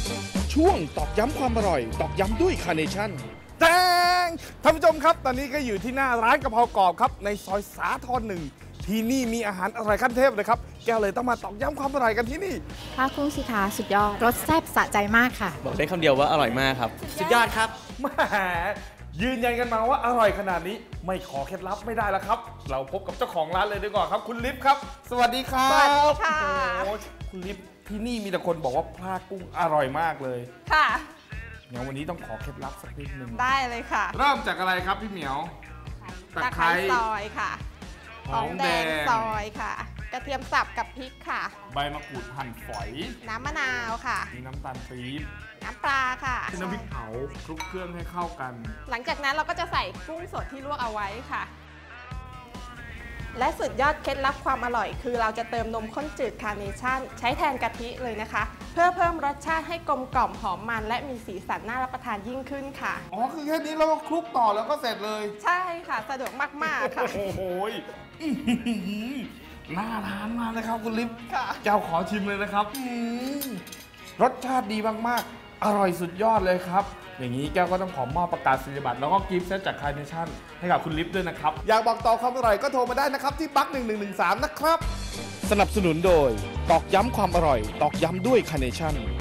ช่วงตอกย้ำความอร่อยตอกย้ำด้วยคาร์เนชั่นแตงท่านผู้ชมครับตอนนี้ก็อยู่ที่หน้าร้านกะเพรากรอบครับในซอยสาทร1ที่นี่มีอาหารอร่อยขั้นเทพเลยครับแก้วเลยต้องมาตอกย้ำความอร่อยกันที่นี่ผ้ากุ้งสิคะสุดยอดรสแซ่บสะใจมากค่ะบอกได้คำเดียวว่าอร่อยมากครับสุดยอดครับแหมยืนยันกันมาว่าอร่อยขนาดนี้ไม่ขอเคล็ดลับไม่ได้แล้วครับเราพบกับเจ้าของร้านเลยดีกว่าครับคุณลิฟครับสวัสดีครับสวัสดีค่ะโอ้คุณลิฟที่นี่มีแต่คนบอกว่าผ้ากุ้งอร่อยมากเลยค่ะงั้นวันนี้ต้องขอเคล็ดลับสักนิดนึงได้เลยค่ะเริ่มจากอะไรครับพี่เหมียวตะไคร้ซอยค่ะหอมแดงซอยค่ะกระเทียมสับกับพริกค่ะใบมะกรูดหั่นฝอยน้ำมะนาวค่ะมีน้ำตาลปี๊บน้ำปลาค่ะน้ำพริกเผาคลุกเครื่องให้เข้ากันหลังจากนั้นเราก็จะใส่กุ้งสดที่ลวกเอาไว้ค่ะและสุดยอดเคล็ดลับความอร่อยคือเราจะเติมนมข้นจืดคาร์เนชั่นใช้แทนกะทิเลยนะคะเพื่อเพิ่มรสชาติให้กลมกล่อมหอมมันและมีสีสันน่ารับประทานยิ่งขึ้นค่ะอ๋อคือแค่นี้เราก็คลุกต่อแล้วก็เสร็จเลยใช่ค่ะสะดวกมากๆค่ะโอ้โหน่าทานมากนะครับคุณลิฟค่ะเจ้าขอชิมเลยนะครับรสชาติดีมากๆอร่อยสุดยอดเลยครับอย่างนี้แก้วก็ต้องขอมอบประกาศนียบัตรแล้วก็กิฟต์เซตจากคาร์เนชั่นให้กับคุณลิฟด้วยนะครับอยากบอกต่อความอร่อยก็โทรมาได้นะครับที่บั๊ก1113นะครับสนับสนุนโดยตอกย้ำความอร่อยตอกย้ำด้วยคาร์เนชั่น